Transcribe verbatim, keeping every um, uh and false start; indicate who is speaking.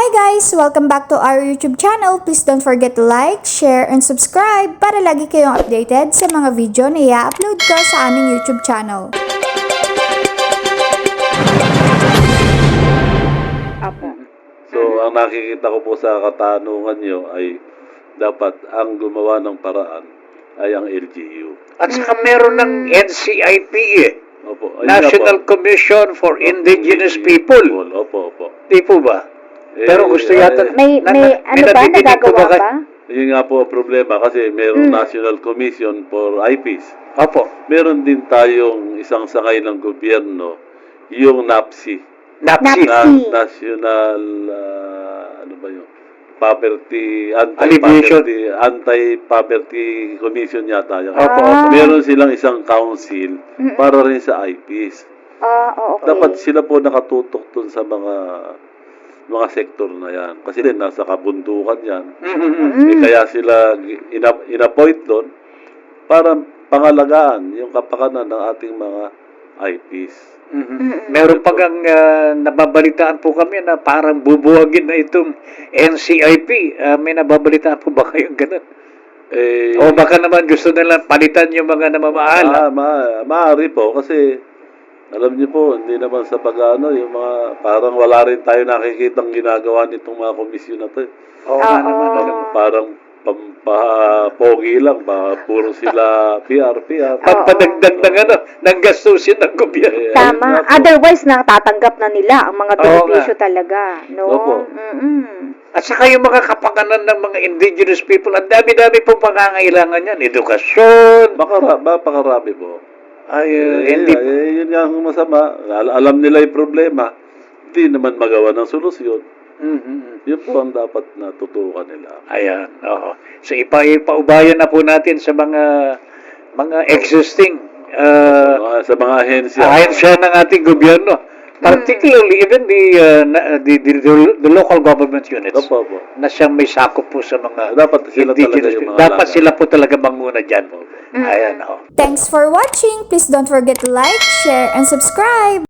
Speaker 1: Hi guys! Welcome back to our YouTube channel. Please don't forget to like, share, and subscribe para lagi kayong updated sa mga video na i-upload ko sa aming YouTube channel.
Speaker 2: Apo.
Speaker 3: So, ang nakikita ko po sa katanungan nyo ay dapat ang gumawa ng paraan ay ang L G U.
Speaker 2: At saka meron ng N C I P eh.
Speaker 3: Opo. Ayun nga
Speaker 2: National
Speaker 3: po.
Speaker 2: Commission for Indigenous People.
Speaker 3: Opo, opo.
Speaker 2: Di po ba?
Speaker 3: Eh,
Speaker 2: Pero gusto yata...
Speaker 3: eh,
Speaker 4: May,
Speaker 2: na-
Speaker 4: may
Speaker 2: na-
Speaker 4: ano ba,
Speaker 2: nadidinig po
Speaker 4: nagagawa
Speaker 2: kay-
Speaker 4: ba?
Speaker 3: Yun nga po ang problema kasi mayroong
Speaker 4: Mm.
Speaker 3: National Commission for I P S.
Speaker 2: Opo.
Speaker 3: Meron din tayong isang sangay ng gobyerno, yung NAPSI.
Speaker 2: NAPSI.
Speaker 4: NAPSI.
Speaker 3: Na, National, ah, ano ba yun? Poverty,
Speaker 2: Alleviation.
Speaker 3: Anti-Poverty, Anti-Poverty Commission yata. Yun.
Speaker 2: Opo,
Speaker 4: Ah.
Speaker 2: opo.
Speaker 3: Meron silang isang council para rin sa I P S.
Speaker 4: Ah, oh, okay.
Speaker 3: Dapat sila po nakatutok dun sa mga mga sektor na yan. Kasi din, nasa kabundukan yan.
Speaker 2: Mhm.
Speaker 3: Eh, kaya sila ina- inappoint doon para pangalagaan yung kapakanan ng ating mga I Ps.
Speaker 2: Mhm. Meron pa gang ah, nababalitaan po kami na parang bubuwagin na itong N C I P. Ah, may nababalitaan po ba kayong ganun?
Speaker 3: Eh,
Speaker 2: O baka naman gusto nila palitan yung mga namamahala.
Speaker 3: ah, ma maaari po kasi alam niyo po, hindi naman sa pag-ano, yung mga parang wala rin tayo nakikitang ginagawa nitong mga komisyon na to. eh.
Speaker 2: Oo nga
Speaker 4: Oo.
Speaker 2: naman.
Speaker 3: Parang, parang pampapogi lang, pa, puro sila P R, P R.
Speaker 2: Pagpadagdag ng ano, ng gastusin ng gobyerno.
Speaker 3: Eh,
Speaker 4: Tama.
Speaker 3: ayun nga po.
Speaker 4: Otherwise, natatanggap na nila ang mga
Speaker 2: Oo
Speaker 4: benepisyo
Speaker 2: nga.
Speaker 4: talaga. No?
Speaker 3: Opo.
Speaker 4: Mm-mm.
Speaker 2: At saka yung mga kapakanan ng mga indigenous people, ang dami-dami pong pangangailangan yan. Edukasyon.
Speaker 3: Baka, ra- bapakarami po.
Speaker 2: Ay, uh,
Speaker 3: Eh,
Speaker 2: hindi.
Speaker 3: eh, yun nga ang masama. Al- alam nila yung problema. Hindi naman magawa ng solusyon.
Speaker 2: Mhm.
Speaker 3: Yun po ang dapat natutukan nila.
Speaker 2: Ayan, oo. So, ipa ipaubayan na po natin sa mga mga existing uh,
Speaker 3: Mga- sa mga ahensya.
Speaker 2: ahensya ng ating gobyerno. Particularly, even the, uh, na- the, the, the, the local government units
Speaker 3: Opo, opo.
Speaker 2: na siyang may sakop po sa mga
Speaker 3: Dapat sila talaga
Speaker 2: indigenous
Speaker 3: yung
Speaker 2: people.
Speaker 3: mga
Speaker 2: Dapat
Speaker 3: alaga.
Speaker 2: sila po talaga manguna dyan. Ayan, oo.
Speaker 1: Thanks for watching! Please don't forget to like, share, and subscribe!